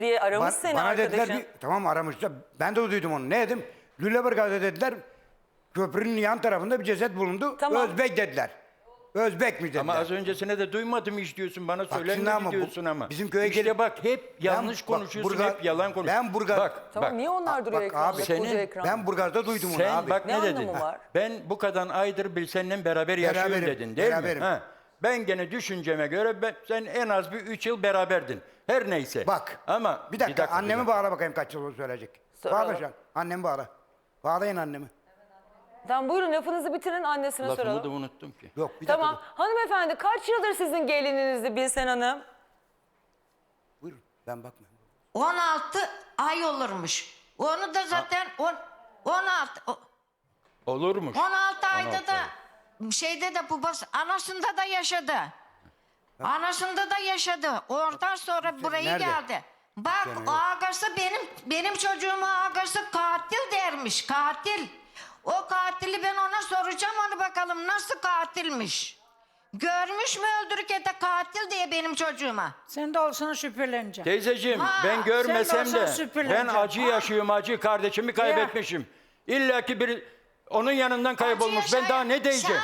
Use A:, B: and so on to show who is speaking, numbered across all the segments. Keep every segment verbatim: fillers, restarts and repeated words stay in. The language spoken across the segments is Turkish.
A: diye aramış
B: Ba-
A: seni
B: bana
A: arkadaşın.
B: dediler bir, tamam aramışlar. Ben de duydum onu. Ne dedim? Lüleburgaz'da dediler köprünün yan tarafında bir ceset bulundu.
A: Tamam.
B: Özbek dediler. Özbek mi dediler?
C: Ama az öncesine de duymadım hiç diyorsun. Bana
B: şimdi
C: söylenmedi
B: ama bu-
C: diyorsun ama.
B: bizim köye
C: İşte
B: gelip-
C: bak hep yanlış
B: bak,
C: konuşuyorsun,
B: Burgaz-
C: hep yalan konuşuyorsun.
B: ben Burgaz-
C: Bak,
A: Tamam
C: bak.
A: niye onlar duruyor
B: bak
A: ekranda?
B: abi,
A: koca
C: senin-
A: ekran.
B: Ben Burgaz'da duydum onu
C: Sen
B: abi.
C: bak
A: Ne
C: ne, dedin?
A: anlamı var?
C: Ben bu kadar aydır bir seninle beraber yaşıyorum
B: Beraberim,
C: dedin değil
B: beraberim.
C: mi? Ha. Ben gene düşünceme göre ben, sen en az bir üç yıl beraberdin. Her neyse.
B: Bak.
C: Ama
B: Bir dakika,
C: bir
B: annemi
C: bir
B: bağla bakayım kaç yıl söyleyecek.
A: Soralım.
B: Bağla şu an. Annemi bağla. Bağlayın annemi.
A: Tamam buyurun lafınızı bitirin annesine
C: Lafımı
A: soralım.
C: da unuttum ki.
B: Yok bir dakika.
A: Tamam.
B: dur.
A: Hanımefendi kaç yıldır sizin gelininizdi Bilsen Hanım?
B: Buyurun ben bakmıyorum.
D: on altı ay olurmuş. Onu da zaten on, on altı o-
C: Olurmuş.
D: on altı ayda
C: on altı
D: da
C: ay.
D: şeyde de babası anasında da yaşadı. Anasında da yaşadı. Oradan sonra buraya
B: nerede?
D: geldi. Bak
B: Gene yok.
D: ağası benim benim çocuğuma ağası katil dermiş. Katil. O katili ben ona soracağım onu bakalım nasıl katilmiş. Görmüş mü öldürürken de katil diye benim çocuğuma.
E: Sen de olsana şüpheleneceksin.
C: Teyzeciğim
D: Ha,
C: ben görmesem
E: sen de
C: de
E: olsan süpürüleceksin.
C: ben acı yaşıyorum, acı kardeşimi kaybetmişim. İlla ki bir onun yanından kaybolmuş.
D: Acı
C: Ben daha ne
D: yaşayan-
C: diyeceğim?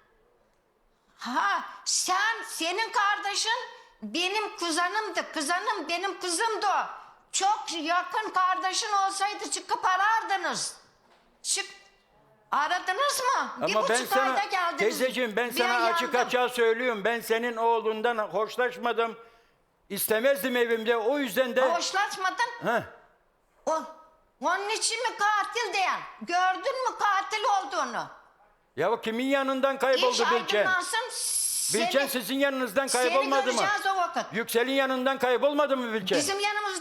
D: Sen, ha sen senin kardeşin benim kuzenimdi. Kızanım benim kızımdı o. Çok yakın kardeşin olsaydı çıkıp arardınız. Çık aradınız mı? Bir
C: Ama ben
D: buçuk
C: sana
D: ayda geldiniz.
C: teyzeciğim ben
D: Bir
C: sana
D: ay
C: açık
D: yandım.
C: açığa söylüyorum. Ben senin oğlundan hoşlaşmadım. İstemezdim evimde. O yüzden de
D: Hoşlaşmadın.
C: Heh,
D: O, onun için mi katil diyen? Gördün mü katil olduğunu?
C: ya kimin yanından
D: İş
C: kayboldu Bilçen?
D: aydınlansın.
C: Bilçen
D: Seni,
C: sizin yanınızdan
D: seni
C: kaybolmadı mı?
D: göreceğiz o vakit.
C: Yüksel'in yanından kaybolmadı mı Bilçen?
D: Bizim yanımız...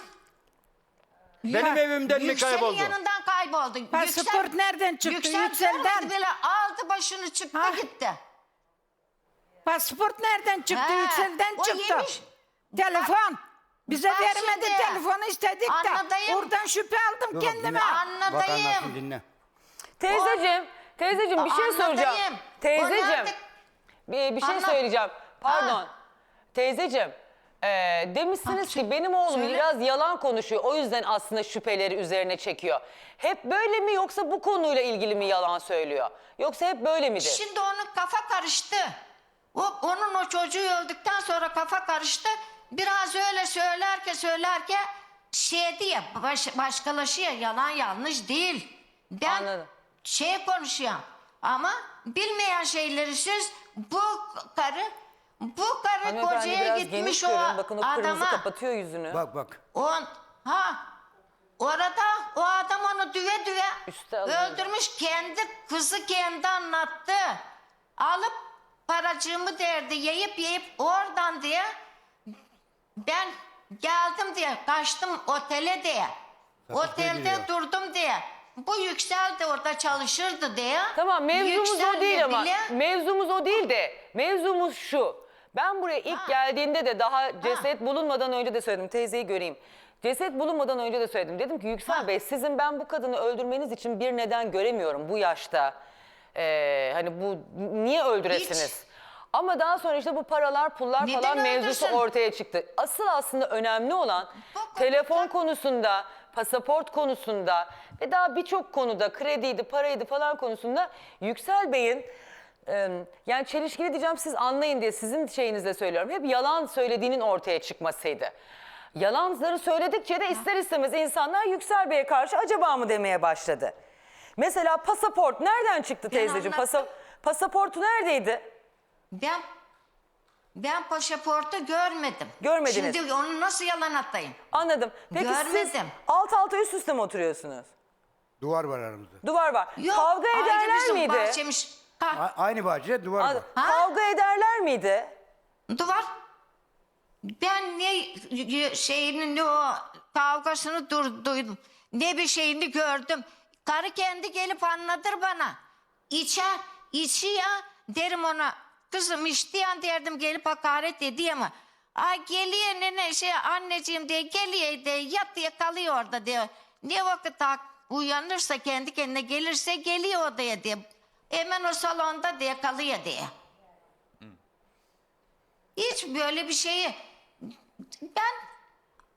C: Benim evimden mi
D: Yüksel'in
C: kayboldu?
D: yanından kayboldu.
E: Pasaport nereden çıktı?
D: Yüksel
E: Yüksel'den.
D: görmedi bile aldı başını çıktı
E: Ha.
D: gitti.
E: Pasport nereden çıktı?
D: He,
E: Yüksel'den
D: o
E: çıktı.
D: yemiş.
E: Telefon. Bize
D: Bak
E: vermedi
D: şimdi.
E: telefonu istedik de.
D: Anladayım.
E: Oradan şüphe aldım
B: Dur,
E: kendime.
B: dinle. Bak
D: Anladayım.
B: anlatsın dinle.
A: Teyzeciğim, teyzeciğim bir şey
D: Anlatayım.
A: soracağım. Teyzeciğim,
D: Onlar da-
A: bir, bir şey
D: Anlat.
A: söyleyeceğim. Pardon.
D: Ha.
A: Teyzeciğim, e, demişsiniz
D: Ha,
A: ki benim oğlum
D: söyle.
A: biraz yalan konuşuyor. O yüzden aslında şüpheleri üzerine çekiyor. Hep böyle mi yoksa bu konuyla ilgili mi yalan söylüyor? Yoksa hep böyle midir?
D: Şimdi onun kafa karıştı. O, onun o çocuğu öldükten sonra kafa karıştı. Biraz öyle söylerken söylerken şey diye baş, başkalaşıyor. Yalan yanlış değil. Ben
A: Anladım.
D: şey konuşuyorum. Ama bilmeyen şeyleri siz bu karı bu karı
A: Hanımefendi
D: kocaya
A: biraz
D: gitmiş
A: geniş
D: o
A: görün. Bakın o kırmızı
D: adama.
A: kapatıyor yüzünü.
B: Bak bak.
D: On, ha orada o adam onu düve düve
A: Üste alıyor.
D: öldürmüş. Kendi kızı kendi anlattı. Alıp paracığımı derdi yiyip yiyip oradan diye ben geldim diye kaçtım otele diye.
B: Sakız
D: Otelde
B: geliyor.
D: durdum diye. Bu Yüksel de orada çalışırdı diye.
A: Tamam mevzumuz
D: Yüksel'le
A: o değil ama
D: bile-
A: mevzumuz o değil de mevzumuz şu. Ben buraya ilk
D: Ha.
A: geldiğinde de daha ceset bulunmadan önce de söyledim. Teyzeyi göreyim. Ceset bulunmadan önce de söyledim. Dedim ki Yüksel
D: Ha.
A: Bey sizin ben bu kadını öldürmeniz için bir neden göremiyorum bu yaşta. Ee, hani bu niye öldüresiniz?
D: Hiç.
A: Ama daha sonra işte bu paralar pullar
D: Neden
A: falan mevzusu
D: öldürsün?
A: ortaya çıktı. Asıl aslında önemli olan
D: Bu-
A: telefon konusunda, pasaport konusunda ve daha birçok konuda krediydi, paraydı falan konusunda Yüksel Bey'in e, yani çelişkili diyeceğim siz anlayın diye sizin şeyinizle söylüyorum. Hep yalan söylediğinin ortaya çıkmasıydı. Yalanları söyledikçe de ister istemez insanlar Yüksel Bey'e karşı acaba mı demeye başladı. Mesela pasaport nereden çıktı teyzeciğim? Pasa,
D: anlattım.
A: pasaportu neredeydi?
D: Ben ben pasaportu görmedim.
A: Görmediniz.
D: Şimdi onu nasıl yalan atayım?
A: Anladım. Peki siz
D: Görmedim.
A: alt alta üst üste mi oturuyorsunuz?
B: Duvar var aramızda.
A: Duvar var.
D: Yok,
A: Kavga
D: ayrı
A: ederler
D: bizim
A: miydi?
D: bahçemiz. Ha,
B: A- aynı bahçede duvar var.
A: Anladım.
D: Ha?
A: Kavga ederler miydi?
D: duvar. Ben ne y- şeyini ne o kavgasını dur, duydum. Ne bir şeyini gördüm. Karı kendi gelip anlatır bana. İçer, içi ya derim ona. Kızım içtiyan derdim gelip hakaret ediyor ama. Ay geliyor nene şey anneciğim diye geliyor diye yat diye kalıyor orada diyor. Ne vakit hak- uyanırsa kendi kendine gelirse geliyor odaya diye. Hemen o salonda diye kalıyor diye. Hiç böyle bir şeyi ben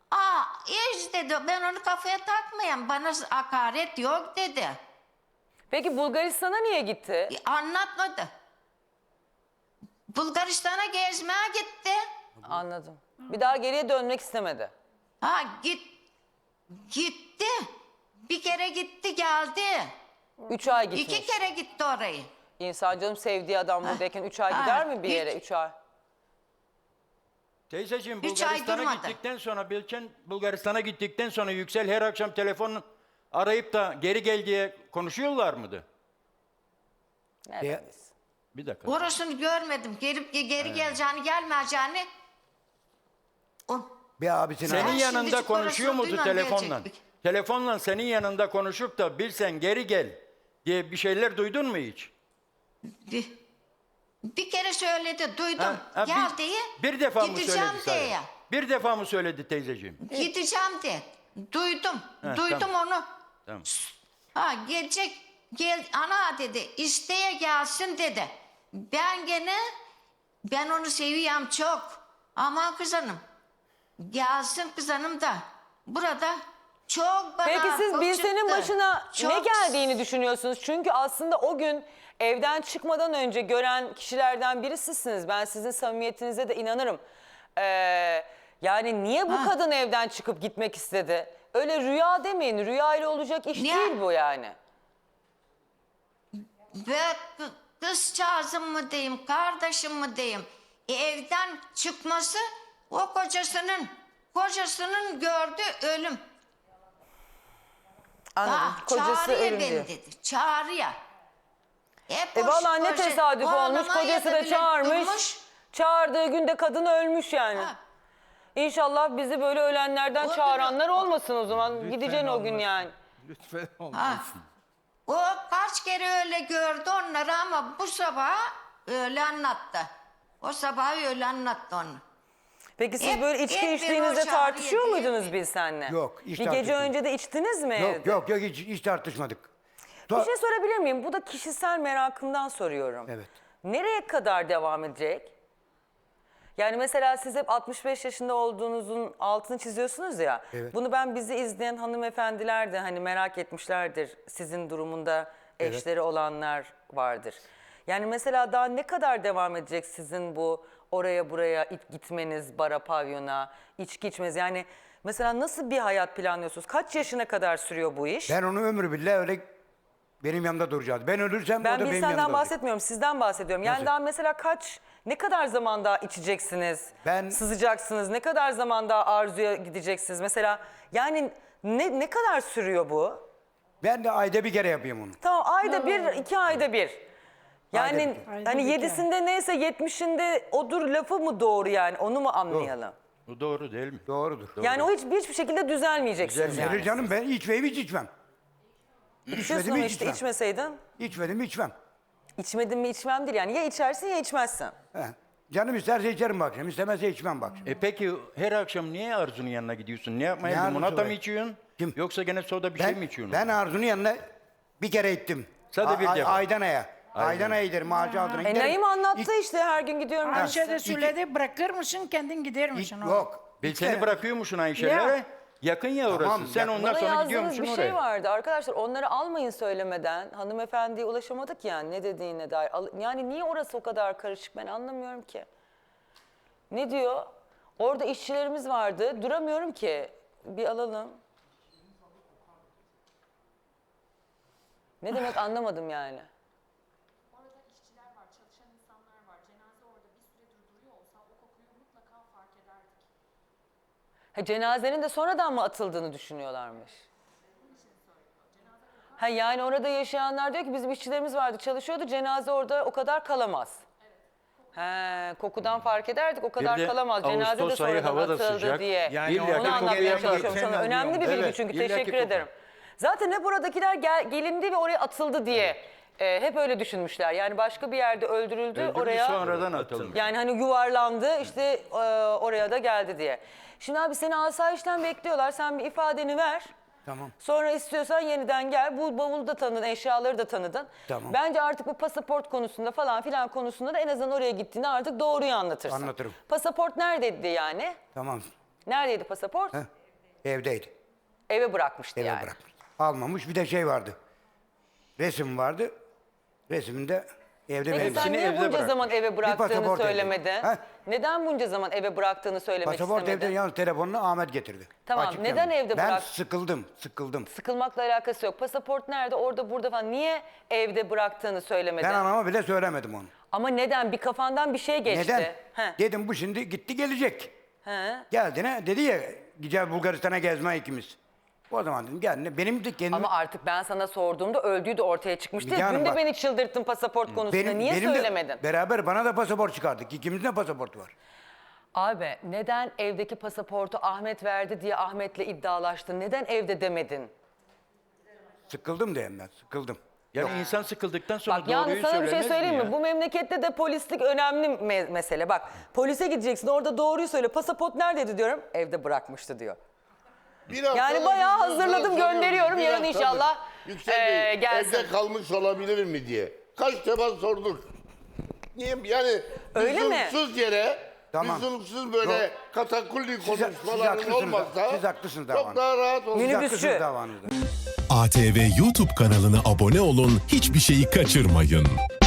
D: Aa hiç dedi, ben onu kafaya takmayayım, bana hakaret yok dedi.
A: Peki Bulgaristan'a niye gitti?
D: E, Anlatmadı. Bulgaristan'a gezmeye gitti.
A: Anladım. Bir daha geriye dönmek istemedi.
D: Ha git gitti. Bir kere gitti geldi.
A: Üç ay gitmiş.
D: İki kere gitti orayı.
A: İnsan canım sevdiği adam buradayken üç ay
D: Ha,
A: gider mi bir yere?
D: hiç.
A: Üç ay.
C: Teyzeciğim
D: Üç ay
C: Bulgaristan'a
D: durmadı.
C: gittikten sonra Bilken Bulgaristan'a gittikten sonra Yüksel her akşam telefon arayıp da geri gel diye konuşuyorlar mıydı?
A: Nereden
B: Ya-
A: bilsin?
C: Bir dakika.
D: Orasını görmedim. Gelip geri geleceğini gelmeyeceğini. O,
B: Bir abisine
C: Senin
D: Ben
C: yanında
D: şimdicik
C: konuşuyor
D: orasını
C: muydu
D: duymam
C: telefonla?
D: gelecek.
C: Telefonla senin yanında konuşup da Bilsen geri gel diye bir şeyler duydun mu hiç?
D: bir, bir kere söyledi, duydum.
C: Ha, ha,
D: Gel
C: bir,
D: diye.
C: bir defa mı
D: gideceğim
C: söyledi sana?
D: diye.
C: Bir defa mı söyledi teyzeciğim?
D: Gideceğim diye. Duydum.
C: Ha,
D: Duydum
C: tamam.
D: onu.
C: Tamam.
D: Ha gelecek. Gel ana dedi. İsteye gelsin dedi. Ben gene ben onu seviyorum çok. Ama kızanım. Gelsin kızanım da. Burada çok bana
A: Peki siz
D: o
A: Bilsen'in
D: çıktı.
A: başına ne
D: Çok-
A: geldiğini düşünüyorsunuz? Çünkü aslında o gün evden çıkmadan önce gören kişilerden biri sizsiniz. Ben sizin samimiyetinize de inanırım. Ee, yani niye bu
D: Ha.
A: kadın evden çıkıp gitmek istedi? Öyle rüya demeyin. Rüya ile olacak iş
D: Ne?
A: değil bu yani.
D: Ve kı- kızcağızım mı diyeyim, kardeşim mi diyeyim. E, evden çıkması o kocasının, kocasının gördüğü ölüm.
A: Anladım.
D: Ha,
A: Kocası
D: çağırıyor
A: ölüm
D: beni
A: diyor.
D: dedi. Çağırıyor. Hep
A: E
D: o
A: vallahi ne
D: koca-
A: tesadüf
D: o
A: olmuş.
D: adama
A: Kocası da
D: yedi bile
A: çağırmış.
D: durmuş.
A: Çağırdığı günde kadın ölmüş yani.
D: Ha.
A: İnşallah bizi böyle ölenlerden
D: O
A: çağıranlar olmasın o zaman. Gideceksin o gün yani.
F: Lütfen
D: Ha.
F: olmasın.
D: O kaç kere öyle gördü onları ama bu sabah öyle anlattı. O sabah öyle anlattı onu.
A: Peki siz
D: Hep-
A: böyle içki
D: hep bir
A: içtiğinizde
D: o çağrı
A: tartışıyor
D: yedi,
A: muydunuz
D: yedi.
A: Bilsen'le?
B: Yok, hiç
A: Bir gece
B: tartışmadık.
A: önce de içtiniz mi
B: Yok
A: evde?
B: yok yok hiç, hiç tartışmadık.
A: Bir
B: Ta-
A: şey sorabilir miyim? Bu da kişisel merakımdan soruyorum.
B: Evet.
A: Nereye kadar devam edecek? Yani mesela siz hep altmış beş yaşında olduğunuzun altını çiziyorsunuz ya.
B: Evet.
A: Bunu ben bizi izleyen hanımefendiler de hani merak etmişlerdir. Sizin durumunda eşleri olanlar vardır. Yani mesela daha ne kadar devam edecek sizin bu oraya buraya it- gitmeniz, bara, pavyona, içki içmeniz? Yani mesela nasıl bir hayat planlıyorsunuz? Kaç yaşına kadar sürüyor bu iş?
B: Ben onu ömrü billah öyle benim yanımda duracağız. Ben ölürsem o
A: Ben
B: da benim
A: bir
B: yanımda
A: senden
B: olacak.
A: bahsetmiyorum, sizden bahsediyorum. Yani
B: Nasıl?
A: daha mesela kaç, ne kadar zaman daha içeceksiniz,
B: Ben-
A: sızacaksınız, ne kadar zaman daha arzuya gideceksiniz? Mesela yani ne, ne kadar sürüyor bu?
B: Ben de ayda bir kere yapayım onu.
A: Tamam ayda bir, iki ayda bir. Yani
B: Ayda bir.
E: Ayda
A: hani
E: bir
A: yedisinde neyse yetmişinde odur lafı mı doğru yani onu mu anlayalım?
C: Bu doğru değil mi?
B: Doğrudur.
A: Yani o hiç, hiçbir şekilde düzelmeyeceksiniz
C: Düzelmeyecek.
A: yani.
B: Gelir canım ben içmeyip hiç içmem.
A: İçiyorsun
B: İçmedim
A: ama
B: hiç
A: işte
B: içmem.
A: içmeseydin.
B: İçmedim içmem.
A: İçmedim mi içmem değil yani ya içersin ya içmezsin.
B: He. Canım isterse içerim bak akşam, istemezse içmem bak.
C: E peki her akşam niye Arzu'nun yanına gidiyorsun? Ne yapmaya
B: Ne
C: gidiyorsun?
B: Arzusu
C: Limonata
B: be?
C: mı içiyorsun?
B: Kim?
C: Yoksa gene soda bir şey mi
B: Ben,
C: içiyorsun?
B: ben Arzu'nun yanına bir kere gittim.
C: Sadece bir
B: A-
C: defa.
B: Aydana'ya. Aydana'ya giderim, ağacı altına
A: E
B: giderim.
A: Naim anlattı
B: İç-
A: işte her gün gidiyorum. ben.
E: Ayşe de söyledi, bırakır mısın kendin gider
B: iç-
E: misin?
B: Yok.
C: Ben
B: İç
C: seni
B: kere-
C: bırakıyormuşsun Ayşe'lere.
E: Ya.
C: Yakın ya orası.
B: Tamam,
C: Sen
B: yakın.
C: ondan
A: Bana
C: sonra
A: yazdığınız
C: gidiyormuşsun
A: bir
C: oraya.
A: şey vardı. Arkadaşlar onları almayın söylemeden. Hanımefendiye ulaşamadık yani ne dediğine dair. Al- Yani niye orası o kadar karışık ben anlamıyorum ki. Ne diyor? Orada işçilerimiz vardı. Duramıyorum ki. Bir alalım. Ne demek anlamadım yani.
G: Orada işçiler var, çalışan insanlar var. Cenaze orada bir süredir duruyor olsa o kokuyu mutlaka fark ederdik.
A: Ha, cenazenin de sonradan mı atıldığını düşünüyorlarmış. Ha, yani orada yaşayanlar diyor ki bizim işçilerimiz vardı çalışıyordu cenaze orada o kadar kalamaz. He, kokudan fark ederdik o kadar
C: de
A: kalamaz. Cenaze de
C: Ağustos ayı
A: sonradan
C: hava da
A: atıldı
C: sıcak.
A: diye.
F: Yani
C: İlla ki
A: Onu
C: kokuya
A: anlatmaya
C: gelen
A: çalışıyorum
F: gitsen
A: sana. Önemli bir bilgi
C: Evet,
A: çünkü
C: illa ki
A: teşekkür
C: koku.
A: ederim. Zaten hep oradakiler gel, gelindi ve oraya atıldı diye e, hep öyle düşünmüşler. Yani başka bir yerde öldürüldü,
C: Öldürmüş,
A: oraya
C: sonradan atılmış.
A: yani hani yuvarlandı işte e, oraya da geldi diye. Şimdi abi seni asayişten bekliyorlar. Sen bir ifadeni ver.
B: Tamam.
A: Sonra istiyorsan yeniden gel. Bu bavulu da tanıdın, eşyaları da tanıdın.
B: Tamam.
A: Bence artık bu pasaport konusunda falan filan konusunda da en azından oraya gittiğinde artık doğruyu anlatırsın.
B: Anlatırım.
A: Pasaport neredeydi yani?
B: Tamam.
A: Neredeydi pasaport?
B: Heh. Evdeydi.
A: Eve bırakmıştı
B: Eve
A: yani.
B: bırakmış. Almamış. Bir de şey vardı. Resim vardı. Resimde evde
A: Peki
B: benim.
A: sen
C: İkisini
A: niye
C: evde
A: bunca
C: bırakmış.
A: zaman eve bıraktığını
B: pasaport evde.
A: söylemedi?
B: Ha?
A: Neden bunca zaman eve bıraktığını söylemek
B: Pasaport
A: istemedi?
B: evde yalnız telefonunu Ahmet getirdi.
A: Tamam,
B: Açık
A: neden
B: yani.
A: evde
B: ben
A: bırak-
B: Ben sıkıldım, sıkıldım.
A: Sıkılmakla alakası yok. Pasaport nerede? Orada burada falan. Niye evde bıraktığını söylemedi?
B: Ben anama bile söylemedim onu.
A: Ama neden? Bir kafandan bir şey geçti.
B: Neden?
A: He.
B: Dedim bu şimdi gitti gelecek.
A: He.
B: Geldi ne? Dedi ya gideceğiz Bulgaristan'a gezme ikimiz. O zaman dedim gel. Benim de kendim...
A: Ama artık ben sana sorduğumda öldüğü de ortaya çıkmıştı.
B: Müge Hanım
A: Dün de
B: bak-
A: beni çıldırttın pasaport konusunda. Niye
B: benim de
A: söylemedin?
B: beraber bana da pasaport çıkardık. İkimizin de pasaportu var.
A: Abi neden evdeki pasaportu Ahmet verdi diye Ahmet'le iddialaştın? Neden evde demedin?
B: Sıkıldım diyeyim ben. Sıkıldım.
C: Yani insan sıkıldıktan sonra
A: Bak
C: doğruyu
A: yalnız sana bir şey
C: söylemez
A: söyleyeyim mi?
C: ya?
A: Bu memlekette de polislik önemli me- mesele. Bak polise gideceksin orada doğruyu söyle. Pasaport neredeydi diyorum. Evde bırakmıştı diyor.
F: Bir haftada
A: Yani bayağı
F: bir
A: hazırladım,
F: haftada
A: gönderiyorum.
F: bir
A: Yarın
F: haftadır.
A: inşallah,
F: Yüksel
A: eee,
F: Bey,
A: gelsin.
F: evde kalmış olabilir mi diye. Kaç defa sorduk. Niye yani
A: Öyle mi?
F: lüzumsuz yere
B: Tamam.
F: lüzumsuz böyle
B: Yok.
F: katakulli
B: siz
F: konuşmaların
B: haklısınız da-
F: olmazsa
B: siz haklısınız
F: çok
B: davanızda.
F: daha rahat olur.
B: Siz
A: Minibüsçü.
B: haklısınız davanızda.
H: A T V YouTube kanalına abone olun, hiçbir şeyi kaçırmayın.